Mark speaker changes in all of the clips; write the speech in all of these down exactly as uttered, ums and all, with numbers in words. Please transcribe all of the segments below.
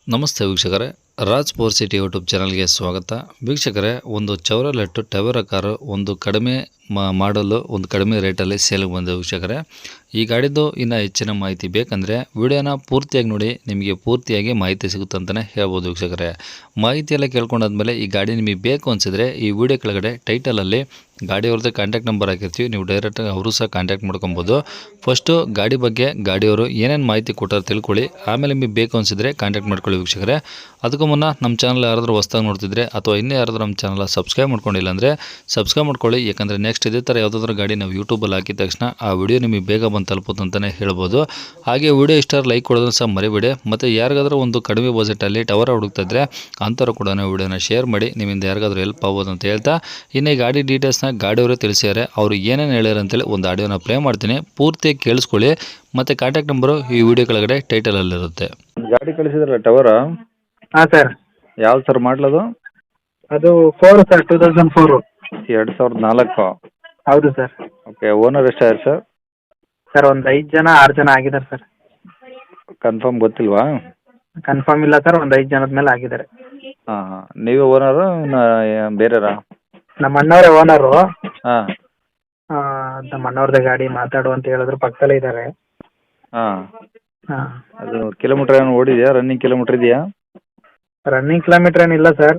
Speaker 1: ನಮಸ್ತೆ ವೀಕ್ಷಕರೇ, Raj four city YouTube ಚಾನಲ್ಗೆ ಸ್ವಾಗತ. ವೀಕ್ಷಕರೇ, ಒಂದು ಚೌರಲೆಟ್ಟು ಟವೆರಾ ಕಾರು ಒಂದು ಕಡಿಮೆ ಮಾಡಲು ಒಂದು ಕಡಿಮೆ ರೇಟಲ್ಲಿ ಸೇಲ್ಗೆ ಬಂದ ವೀಕ್ಷಕರೇ. ಈ ಗಾಡಿದು ಇನ್ನು ಹೆಚ್ಚಿನ ಮಾಹಿತಿ ಬೇಕಂದರೆ ವಿಡಿಯೋನ ಪೂರ್ತಿಯಾಗಿ ನೋಡಿ, ನಿಮಗೆ ಪೂರ್ತಿಯಾಗಿ ಮಾಹಿತಿ ಸಿಗುತ್ತೆ ಅಂತಲೇ ಹೇಳ್ಬೋದು ವೀಕ್ಷಕರೇ. ಮಾಹಿತಿ ಎಲ್ಲ ಕೇಳ್ಕೊಂಡಾದ್ಮೇಲೆ ಈ ಗಾಡಿ ನಿಮಗೆ ಬೇಕು ಅನಿಸಿದರೆ ಈ ವಿಡಿಯೋ ಕೆಳಗಡೆ ಟೈಟಲಲ್ಲಿ ಗಾಡಿಯವ್ರದ್ದು ಕಾಂಟ್ಯಾಕ್ಟ್ ನಂಬರ್ ಹಾಕಿರ್ತೀವಿ, ನೀವು ಡೈರೆಕ್ಟಾಗಿ ಅವರು ಸಹ ಕಾಂಟ್ಯಾಕ್ಟ್ ಮಾಡ್ಕೊಬೋದು. ಫಸ್ಟು ಗಾಡಿ ಬಗ್ಗೆ ಗಾಡಿಯವರು ಏನೇನು ಮಾಹಿತಿ ಕೊಟ್ಟಾರೆ ತಿಳ್ಕೊಳ್ಳಿ, ಆಮೇಲೆ ನಿಮಗೆ ಬೇಕು ಅನಿಸಿದರೆ ಕಾಂಟ್ಯಾಕ್ಟ್ ಮಾಡ್ಕೊಳ್ಳಿ ವೀಕ್ಷಕರೇ. ಅದಕ್ಕೂ ಮುನ್ನ ನಮ್ಮ ಚಾನಲ್ ಯಾರಾದರೂ ಹೊಸ್ದಾಗಿ ನೋಡ್ತಿದ್ರೆ ಅಥವಾ ಇನ್ನೂ ಯಾರಾದರೂ ನಮ್ಮ ಚಾನಲ್ ಸಬ್ಸ್ಕ್ರೈಬ್ ಮಾಡ್ಕೊಂಡಿಲ್ಲ ಅಂದರೆ ಸಬ್ಸ್ಕ್ರೈಬ್ ಮಾಡ್ಕೊಳ್ಳಿ. ಯಾಕಂದರೆ ನೆಕ್ಸ್ಟ್ ಇದೇ ಥರ ಯಾವುದಾದ್ರೂ ಗಾಡಿ ನಾವು ಯೂಟ್ಯೂಬಲ್ಲಿ ಹಾಕಿದ ತಕ್ಷಣ ಆ ವಿಡಿಯೋ ನಿಮಗೆ ಬೇಗ ಬಂದು ತಲುಪುತ್ತೆ ಅಂತಲೇ ಹೇಳ್ಬೋದು. ಹಾಗೆ ವಿಡಿಯೋ ಇಷ್ಟ ಲೈಕ್ ಕೊಡೋದನ್ನು ಸಹ ಮರಿಬೇಡಿ. ಮತ್ತು ಯಾರಿಗಾದ್ರೂ ಒಂದು ಕಡಿಮೆ ಬಜೆಟಲ್ಲಿ ಟವರ್ ಹುಡುಕ್ತಾ ಇದ್ದರೆ ಅಂಥವ್ರು ಕೂಡ ವಿಡಿಯೋನ ಶೇರ್ ಮಾಡಿ, ನಿಮ್ಮಿಂದ ಯಾರಿಗಾದ್ರೂ ಹೆಲ್ಪ್ ಆಗ್ಬೋದು ಅಂತ ಹೇಳ್ತಾ, ಇನ್ನು ಈ ಗಾಡಿ ಡೀಟೇಲ್ಸ್ನ ಗಾಡಿಯವರು ತಿಳಿಸಿದ್ದಾರೆ. ಅವರು ಏನೇನು ಹೇಳ್ಯಾರ ಅಂತೇಳಿ ಒಂದು ಆಡಿಯೋನ ಪ್ಲೇ ಮಾಡ್ತೀನಿ, ಪೂರ್ತಿ ಕೇಳಿಸ್ಕೊಳ್ಳಿ. ಮತ್ತು ಕಾಂಟ್ಯಾಕ್ಟ್ ನಂಬರು ಈ ವಿಡಿಯೋ ಕೆಳಗಡೆ ಟೈಟಲಲ್ಲಿರುತ್ತೆ.
Speaker 2: ಗಾಡಿ ಕಳಿಸಿದ್ರಲ್ಲ ಟವರ?
Speaker 3: ಹಾಂ ಸರ್.
Speaker 2: ಯಾವ್ದು ಸರ್ ಮಾಡಲದು?
Speaker 3: ಅದು four sir, two thousand four.
Speaker 2: ಎರಡು ಸಾವಿರದ ನಾಲ್ಕು.
Speaker 3: ಹೌದು ಸರ್.
Speaker 2: ಓಕೆ, ಓನರ್ ಎಷ್ಟಾಯ್ತು ಸರ್?
Speaker 3: ಸರ್ ಒಂದು ಐದು ಜನ ಆರು ಜನ ಆಗಿದ್ದಾರೆ ಸರ್.
Speaker 2: ಕನ್ಫರ್ಮ್ ಗೊತ್ತಿಲ್ವಾ?
Speaker 3: ಕನ್ಫರ್ಮ್ ಇಲ್ಲ ಸರ್, ಒಂದು ಐದು ಜನದ ಮೇಲೆ ಆಗಿದ್ದಾರೆ.
Speaker 2: ಹಾಂ ಹಾಂ, ನೀವೇ ಓನರು ಬೇರೆರಾ?
Speaker 3: ನಮ್ಮ ಅಣ್ಣವರೇ ಓನರು.
Speaker 2: ಹಾಂ
Speaker 3: ನಮ್ಮ ಅಣ್ಣವ್ರದ್ದೇ ಗಾಡಿ, ಮಾತಾಡು ಅಂತ ಹೇಳಿದ್ರು, ಪಕ್ಕದಲ್ಲೇ ಇದ್ದಾರೆ.
Speaker 2: ಹಾಂ,
Speaker 3: ಹಾಂ.
Speaker 2: ಅದು ಕಿಲೋಮೀಟ್ರ್ ಏನು ಓಡಿದೆಯಾ? ರನ್ನಿಂಗ್ ಕಿಲೋಮೀಟ್ರ್ ಇದೆಯಾ?
Speaker 3: ರನ್ನಿಂಗ್ ಕಿಲೋಮೀಟ್ರ್ ಏನಿಲ್ಲ ಸರ್,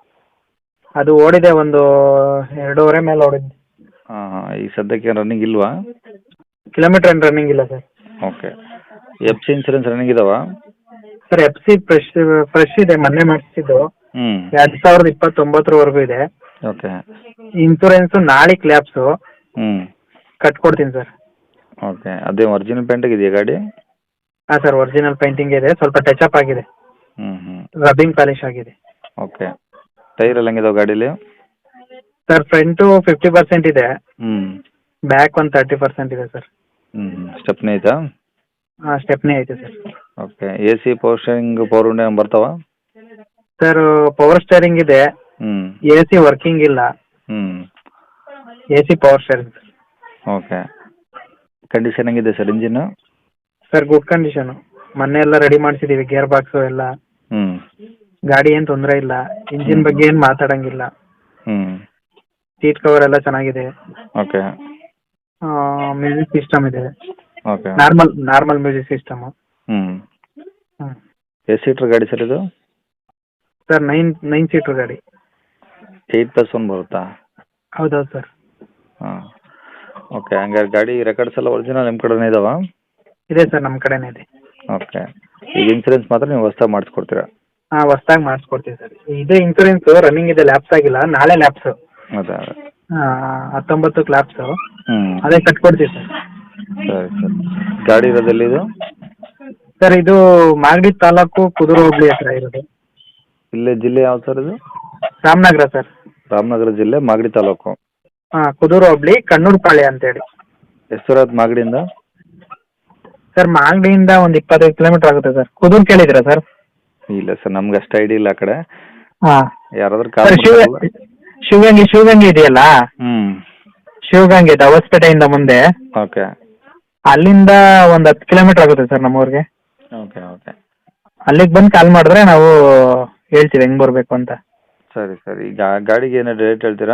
Speaker 3: ಅದು ಓಡಿದೆ ಒಂದು ಎರಡೂವರೆ ಮೇಲೆ ಓಡಿದೆ.
Speaker 2: ಹಾಂ ಹಾಂ, ಈ ಸದ್ಯಕ್ಕೆ ರನ್ನಿಂಗ್ ಇಲ್ವಾ?
Speaker 3: ಕಿಲೋಮೀಟ್ರ್ ಏನು ರನ್ನಿಂಗ್ ಇಲ್ಲ sir.
Speaker 2: Okay, F C insurance running ಇದಾವಾ?
Speaker 3: Sir F C fresh fresh ಇದೆ, ಮೊನ್ನೆ ಮಾಡಿಸಿದ್ದು.
Speaker 2: ಹ್ಞೂ,
Speaker 3: ಎರಡು ಸಾವಿರದ ಇಪ್ಪತ್ತೊಂಬತ್ತರವರೆಗೂ ಇದೆ.
Speaker 2: ಓಕೆ.
Speaker 3: ಇನ್ಸೂರೆನ್ಸು ನಾಳೆ ಕ್ಲ್ಯಾಪ್ಸು
Speaker 2: ಹ್ಞೂ,
Speaker 3: ಕಟ್ಕೊಡ್ತೀನಿ ಸರ್.
Speaker 2: ಓಕೆ. ಅದೇ ಒರಿಜಿನಲ್ ಪೇಂಟಾಗಿ ಇದೆಯಾ ಗಾಡಿ?
Speaker 3: ಹಾಂ ಸರ್, ಒರಿಜಿನಲ್ ಪೇಂಟಿಂಗ್ ಇದೆ, ಸ್ವಲ್ಪ ಟಚ್ ಅಪ್ ಆಗಿದೆ,
Speaker 2: ಹ್ಞೂ ಹ್ಞೂ,
Speaker 3: ರಬ್ಬಿಂಗ್ ಪಾಲಿಶ್ ಆಗಿದೆ.
Speaker 2: ಓಕೆ. ಟೈರ್ ಎಲ್ಲ ಹೆಂಗಿದಾವೆ ಗಾಡೀಲಿ?
Speaker 3: ಸರ್ ಫ್ರಂಟು ಫಿಫ್ಟಿ ಪರ್ಸೆಂಟ್ ಇದೆ,
Speaker 2: ಹ್ಞೂ,
Speaker 3: ಬ್ಯಾಕ್ ಒಂದು ತರ್ಟಿ ಪರ್ಸೆಂಟ್ ಇದೆ ಸರ್.
Speaker 2: ಹ್ಞೂ ಹ್ಞೂ, ಸ್ಟೆಪ್ನಿ ಐತಾ?
Speaker 3: ಹಾಂ, ಸ್ಟೆಪ್ನಿ ಐತೆ sir.
Speaker 2: Okay. A C, power steering, power window ಬರ್ತಾವ?
Speaker 3: ಸರ್ ಪವರ್ ಸ್ಟೇರಿಂಗ್ ಇದೆ,
Speaker 2: ಹ್ಞೂ,
Speaker 3: ಎ ಸಿ ವರ್ಕಿಂಗ್ ಇಲ್ಲ.
Speaker 2: ಹ್ಞೂ,
Speaker 3: A C power steering.
Speaker 2: Okay. Condition ಹೆಂಗಿದೆ sir engine?
Speaker 3: Sir good condition, ಮೊನ್ನೆ ಎಲ್ಲ ರೆಡಿ ಮಾಡಿಸಿದ್ದೀವಿ, ಗೇರ್ ಬಾಕ್ಸು ಎಲ್ಲ.
Speaker 2: ಹ್ಞೂ,
Speaker 3: ಗಾಡಿ ಏನು ತೊಂದರೆ ಇಲ್ಲ, ಇಂಜಿನ್ ಬಗ್ಗೆ ಏನು ಮಾತಾಡೋಂಗಿಲ್ಲ.
Speaker 2: ಹ್ಞೂ,
Speaker 3: ಸೀಟ್ ಕವರ್ ಎಲ್ಲ ಚೆನ್ನಾಗಿದೆ.
Speaker 2: ಓಕೆ.
Speaker 3: ಮ್ಯೂಸಿಕ್ ಸಿಸ್ಟಮ್ ಇದೆ,
Speaker 2: okay.
Speaker 3: Normal normal music system.
Speaker 2: ಹ್ಞೂ,
Speaker 3: ಹ್ಞೂ.
Speaker 2: ಎಷ್ಟು ಸೀಟ್ರ್ ಗಾಡಿ ಸರ್ ಇದು?
Speaker 3: ಸರ್ ನೈನ್ ನೈನ್ ಸೀಟ್ರ್ ಗಾಡಿ.
Speaker 2: ಏಯ್ಟ್ ಪ್ಲಸ್ ಒನ್ ಬರುತ್ತಾ?
Speaker 3: ಹೌದೌದು ಸರ್.
Speaker 2: ಹಾಂ, ಓಕೆ. ಹಂಗಾರೆ ಗಾಡಿ ರೆಕಾರ್ಡ್ಸ್ ಎಲ್ಲ ಒರಿಜಿನಲ್ ನಿಮ್ಮ ಕಡೆನೇ ಇದಾವಾ?
Speaker 3: ಇದೆ ಸರ್, ನಮ್ಮ ಕಡೆನೇ ಇದೆ.
Speaker 2: ಓಕೆ. ಈಗ ಇನ್ಸೂರೆನ್ಸ್ ಮಾತ್ರ ನೀವು ಹೊಸ್ದಾಗಿ ಮಾಡಿಸ್ಕೊಡ್ತೀರಾ?
Speaker 3: ಹಾಂ, ಹೊಸ್ದಾಗಿ ಮಾಡಿಸ್ಕೊಡ್ತೀವಿ ಸರ್. ಇದೇ ಇನ್ಸೂರೆನ್ಸು ರನ್ನಿಂಗ್ ಇದೆ, ಲ್ಯಾಪ್ಸ್ ಆಗಿಲ್ಲ, ನಾಳೆ ಲ್ಯಾಪ್ಸು.
Speaker 2: ಅದೇ ಅದೇ.
Speaker 3: ಹತ್ತೊಂಬತ್ತು ಲ್ಯಾಪ್ಸು,
Speaker 2: ಹ್ಞೂ,
Speaker 3: ಅದೇ ಕಟ್ಕೊಡ್ತೀವಿ ಸರ್.
Speaker 2: ಸರಿ ಸರ್. ಗಾಡಿ ಇರೋದೆಲ್ಲಿ ಇದು?
Speaker 3: ಸರ್ ಇದು ಮಾಗಡಿ ತಾಲೂಕು, ಕುದೂರು ಹೋಬಳಿ ಹತ್ರ ಇರೋದು.
Speaker 2: ಇಲ್ಲೇ ಜಿಲ್ಲೆ ಯಾವ್ದು ಸರ್ ಇದು?
Speaker 3: ರಾಮನಗರ ಸರ್.
Speaker 2: ರಾಮನಗರ ಜಿಲ್ಲೆ, ಮಾಗಡಿ ತಾಲೂಕು.
Speaker 3: ಹಾಂ, ಕುದೂರು ಹೋಬಳಿ, ಕಣ್ಣೂರು ಪಾಳ್ಯ ಅಂತೇಳಿ.
Speaker 2: ಎಷ್ಟು ಸರ್ ಅದು ಮಾಗಡಿಯಿಂದ?
Speaker 3: ಸರ್ ಮಾಗಡಿಯಿಂದ ಒಂದು ಇಪ್ಪತ್ತೈದು ಕಿಲೋಮೀಟರ್ ಆಗುತ್ತೆ ಸರ್. ಕುದೂರು ಕೇಳಿದ್ದೀರಾ ಸರ್?
Speaker 2: ಇಲ್ಲ ಸರ್, ನಮ್ಗೆ ಅಷ್ಟು ಐಡಿಯಾ ಇಲ್ಲ ಆ ಕಡೆ.
Speaker 3: ಹಾಂ.
Speaker 2: ಯಾರಾದ್ರೂ
Speaker 3: ಸರ್ ಶಿವ
Speaker 2: ಕಾಲ್
Speaker 3: ಶಿವಗಂಗೆ ಶಿವಗಂಗೆ ಇದೆಯಲ್ಲ,
Speaker 2: ಹ್ಞೂ,
Speaker 3: ಶಿವಗಂಗೆ ದವಸ್ಪೇಟೆಯಿಂದ ಮುಂದೆ,
Speaker 2: ಓಕೆ.
Speaker 3: ಅಲ್ಲಿಂದ ಒಂದು ಹತ್ತು ಕಿಲೋಮೀಟರ್ ಆಗುತ್ತೆ ಸರ್ ನಮ್ಮೂರಿಗೆ.
Speaker 2: Okay okay.
Speaker 3: ಅಲ್ಲಿಗೆ ಬಂದು ಕಾಲ್ ಮಾಡಿದ್ರೆ ನಾವು ಹೇಳ್ತೀವಿ ಹೆಂಗೆ ಬರಬೇಕು ಅಂತ.
Speaker 2: ಸರಿ ಸರಿ. ಈಗ ಗಾಡಿಗೆ ಏನೋ ರೇಟ್ ಹೇಳ್ತೀರಾ?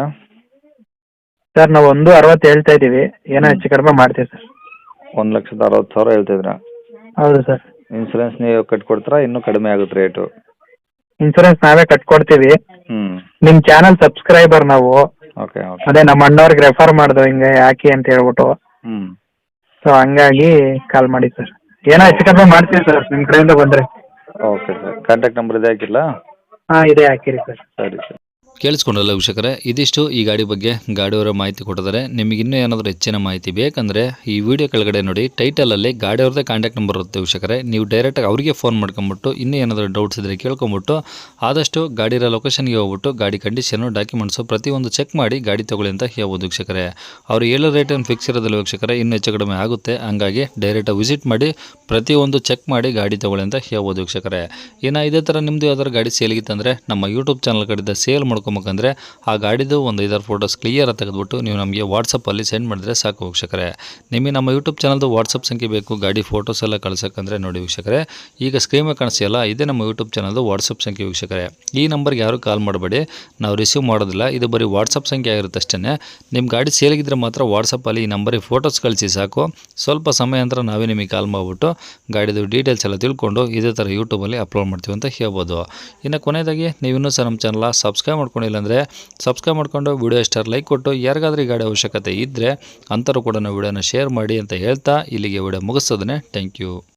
Speaker 3: ಸರ್ ನಾವು ಒಂದು ಅರವತ್ತು ಹೇಳ್ತಾ ಇದ್ದೀವಿ, ಏನೋ ಹೆಚ್ಚು ಕಡಿಮೆ ಮಾಡ್ತೀವಿ ಸರ್.
Speaker 2: ಒಂದು ಲಕ್ಷದ ಅರವತ್ತು ಸಾವಿರ ಹೇಳ್ತಿದ್ರಾ?
Speaker 3: ಹೌದು ಸರ್.
Speaker 2: ಇನ್ಸೂರೆನ್ಸ್ ನೀವು ಕಟ್ಕೊಡ್ತೀರಾ? ಇನ್ನೂ ಕಡಿಮೆ ಆಗುತ್ತೆ ರೇಟು?
Speaker 3: ಇನ್ಸೂರೆನ್ಸ್ ನಾವೇ ಕಟ್ಕೊಡ್ತೀವಿ.
Speaker 2: ಹ್ಞೂ,
Speaker 3: ನಿಮ್ಮ ಚಾನಲ್ ಸಬ್ಸ್ಕ್ರೈಬರ್ ನಾವು.
Speaker 2: Okay okay.
Speaker 3: ಅದೇ ನಮ್ಮ ಅಣ್ಣವ್ರಿಗೆ ರೆಫರ್ ಮಾಡ್ದು ಹಿಂಗೆ ಹಾಕಿ ಅಂತ ಹೇಳ್ಬಿಟ್ಟು,
Speaker 2: ಹ್ಞೂ,
Speaker 3: ಸೊ ಹಂಗಾಗಿ ಕಾಲ್ ಮಾಡಿ ಸರ್. ಏನೋ ಹೆಚ್ಚು ಕಡಿಮೆ ಮಾಡ್ತೀವಿ ಸರ್ ನಿಮ್ಮ ಕಡೆಯಿಂದ ಬಂದರೆ.
Speaker 2: Okay sir. ಕಾಂಟ್ಯಾಕ್ಟ್ ನಂಬರ್ ಇದೆ ಹಾಕಿಲ್ಲ?
Speaker 3: ಹಾಂ, ಇದೆ, ಹಾಕಿರಿ ಸರ್.
Speaker 2: ಸರಿ ಸರ್.
Speaker 1: ಕೇಳಿಸ್ಕೊಂಡಲ್ಲ ವೀಕ್ಷಕರೇ, ಇದಿಷ್ಟು ಈ ಗಾಡಿ ಬಗ್ಗೆ ಗಾಡಿಯವರ ಮಾಹಿತಿ ಕೊಟ್ಟಿದ್ದಾರೆ. ನಿಮಗೆ ಇನ್ನೂ ಏನಾದರೂ ಹೆಚ್ಚಿನ ಮಾಹಿತಿ ಬೇಕಂದರೆ ಈ ವಿಡಿಯೋ ಕೆಳಗಡೆ ನೋಡಿ ಟೈಟಲಲ್ಲಿ ಗಾಡಿಯವ್ರದ್ದೇ ಕಾಂಟ್ಯಾಕ್ಟ್ ನಂಬರ್ ಇರುತ್ತೆ ವೀಕ್ಷಕರೇ. ನೀವು ಡೈರೆಕ್ಟಾಗಿ ಅವರಿಗೆ ಫೋನ್ ಮಾಡ್ಕೊಂಬಿಟ್ಟು ಇನ್ನೂ ಏನಾದರೂ ಡೌಟ್ಸ್ ಇದ್ದರೆ ಕೇಳ್ಕೊಂಬಿಟ್ಟು ಆದಷ್ಟು ಗಾಡಿಯ ಲೊಕೇಶನ್ಗೆ ಹೋಗ್ಬಿಟ್ಟು ಗಾಡಿ ಕಂಡೀಷನು, ಡಾಕ್ಯುಮೆಂಟ್ಸು ಪ್ರತಿಯೊಂದು ಚೆಕ್ ಮಾಡಿ ಗಾಡಿ ತೊಗೊಳ್ಳಿ ಅಂತ ಹೇಳ್ಬೋದು ವೀಕ್ಷಕರೇ. ಅವ್ರು ಹೇಳೋ ರೇಟ್ ಏನು ಫಿಕ್ಸ್ ಇರೋದಿಲ್ಲ ವೀಕ್ಷಕರೇ, ಇನ್ನೂ ಹೆಚ್ಚು ಕಡಿಮೆ ಆಗುತ್ತೆ. ಹಂಗಾಗಿ ಡೈರೆಕ್ಟಾಗಿ ವಿಸಿಟ್ ಮಾಡಿ ಪ್ರತಿಯೊಂದು ಚೆಕ್ ಮಾಡಿ ಗಾಡಿ ತೊಗೊಳ್ಳಿ ಅಂತ ಹೇಳ್ಬೋದು ವೀಕ್ಷಕರೇ. ಇನ್ನು ಇದೇ ಥರ ನಿಮ್ಮದು ಯಾವ್ದಾದ್ರು ಗಾಡಿ ಸೇಲ್ಗಿತ್ತಂದರೆ ನಮ್ಮ ಯೂಟ್ಯೂಬ್ ಚಾನಲ್ ಕಡೆಯಿಂದ ಸೇಲ್ ಮಾಡ್ಕೊಂಡು ನೋಡ್ಕೊಬೇಕಂದ್ರೆ ಆ ಗಾಡಿದು ಒಂದು ಐದಾರು ಫೋಟೋಸ್ ಕ್ಲಿಯರ್ ತೆಗೆದುಬಿಟ್ಟು ನೀವು ನಮಗೆ ವಾಟ್ಸಪ್ಪಲ್ಲಿ ಸೆಂಡ್ ಮಾಡಿದ್ರೆ ಸಾಕು ವೀಕ್ಷಕರೇ. ನಿಮಗೆ ನಮ್ಮ ಯೂಟ್ಯೂಬ್ ಚಾನಲ್ದು ವಾಟ್ಸಪ್ ಸಂಖ್ಯೆ ಬೇಕು ಗಾಡಿ ಫೋಟೋಸ್ ಎಲ್ಲ ಕಳ್ಸೋಕ್ಕಂದ್ರೆ ನೋಡಿ ವೀಕ್ಷಕರೇ, ಈಗ ಸ್ಕ್ರೀನ್ ಮೇಲೆ ಕಾಣಿಸ್ತಿಲ್ಲ ಇದೇ ನಮ್ಮ ಯೂಟ್ಯೂಬ್ ಚಾನಲ್ದು ವಾಟ್ಸಪ್ ಸಂಖ್ಯೆ ವೀಕ್ಷಕರೇ. ಈ ನಂಬರ್ಗೆ ಯಾರು ಕಾಲ್ ಮಾಡಬೇಡಿ, ನಾವು ರಿಸೀವ್ ಮಾಡೋದಿಲ್ಲ, ಇದು ಬರೀ ವಾಟ್ಸಪ್ ಸಂಖ್ಯೆ ಆಗಿರುತ್ತೆ ಅಷ್ಟೇ. ನಿಮ್ಮ ಗಾಡಿ ಸೇಲಿಗಿದ್ರೆ ಮಾತ್ರ ವಾಟ್ಸಪ್ಪಲ್ಲಿ ಈ ನಂಬರಿಗೆ ಫೋಟೋಸ್ ಕಳಿಸಿ ಸಾಕು. ಸ್ವಲ್ಪ ಸಮಯ ನಂತರ ನಾವೇ ನಿಮಗೆ ಕಾಲ್ ಮಾಡಿಬಿಟ್ಟು ಗಾಡಿದು ಡೀಟೇಲ್ಸ್ ಎಲ್ಲ ತಿಳ್ಕೊಂಡು ಇದೇ ಥರ ಯೂಟ್ಯೂಬಲ್ಲಿ ಅಪ್ಲೋಡ್ ಮಾಡ್ತೀವಿ ಅಂತ ಹೇಳ್ಬೋದು. ಇನ್ನು ಕೊನೆಯದಾಗಿ ನೀವು ಇನ್ನೂ ಸಹ ನಮ್ಮ ಚಾನಲ್ ಸಬ್ಸ್ಕ್ರೈಬ್ ಮಾಡ್ಕೊಂಡಿಲ್ಲ ಅಂದರೆ ಸಬ್ಸ್ಕ್ರೈಬ್ ಮಾಡ್ಕೊಂಡು ವಿಡಿಯೋ ಇಷ್ಟ ಲೈಕ್ ಕೊಟ್ಟು ಯಾರಿಗಾದ್ರೂ ಈ ಗಾಡಿ ಅವಶ್ಯಕತೆ ಇದ್ದರೆ ಅಂಥವ್ರು ಕೂಡ ನಾವು ವಿಡಿಯೋನ ಶೇರ್ ಮಾಡಿ ಅಂತ ಹೇಳ್ತಾ ಇಲ್ಲಿಗೆ ವಿಡಿಯೋ ಮುಗಿಸ್ತದೆ. Thank you.